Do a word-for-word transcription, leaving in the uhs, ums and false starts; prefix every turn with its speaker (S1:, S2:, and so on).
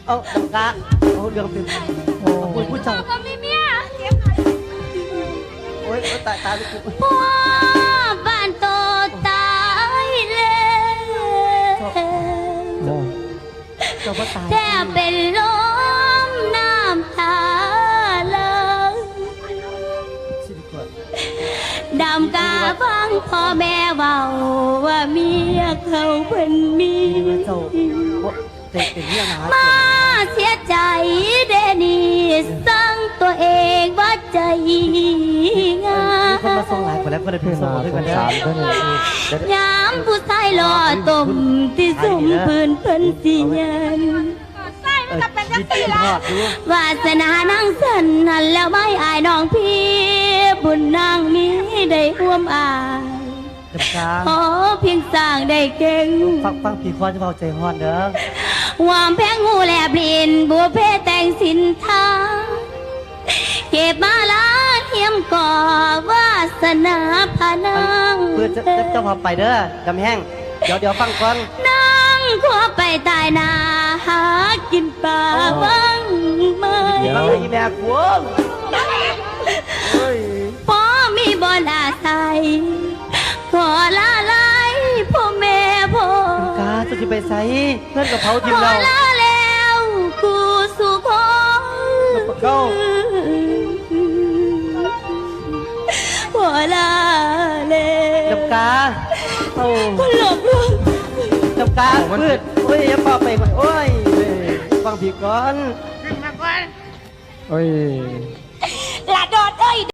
S1: เอาดำกาเอาเรื่องเป็นโอ้ยผู้เจ้า
S2: ก็มีเมีย
S1: โอ้ยตายตายลูก
S2: พ่อบ้านโตตายแล้ว
S1: เจ้าพ่อตาย
S2: แทบเป็นลมน้ำตาเลย
S1: ชีวิตก่อน
S2: ดำกาฟังพ่อแม่เบาว่าเมียเขาเป็นมี
S1: เจ้าเต็มเป็นเรื่องนะ
S2: มาเสียใจเดนีสั่งตัวเองว่าใจง่า
S1: มีคนมาส่งหลายคนแล้วก็ได้เป็นส่งด้วยกันแล้ว
S2: ยามผู้ชายหล่อต้มที่สุ่มพื้นเพิ่นสิยัน
S1: เออยินดีทอดดู
S2: วาสนานั่งสันหันแล้วไม่อายน้องพี่บุญนางมีได้ร่วมอาย
S1: ดำกา
S2: ขอเพียงสร้างได้เก่ง
S1: ฟังฟังพี่คอนจะเบาใจฮอนเด้อ
S2: วามแพงงูแลบลินบัวเพแต่งสินทาเก็บมาล้านเทียมก่อวาสนาพานัง
S1: เพื่อจะเจ้าพาไปเด้อดำแห้งเดี๋ยวเดี๋ยวฟังก่อน
S2: นั่งขวไปตายนาหากินป่าบ้างไหม
S1: ฟังเลยอีแม่กวงเฮ้ย
S2: พอมีบอนอาศัยขอลาไลพ่อแม่พ่อก
S1: าจะจะไปใส่เพื่อนกับเผาที
S2: ข
S1: ม
S2: อ
S1: เรา
S2: ลาแล้วกูสู่พ่อ
S1: เข้า
S2: ขอลาแล้ว
S1: ดำกาโอ้
S2: คนหลบลวง
S1: ดำกาพืชโอ้ยอย่าเป่าไปก่อนโอ้ยฟังพี่ก่อน
S3: โอ้ย
S2: หลาดอดเอ้ย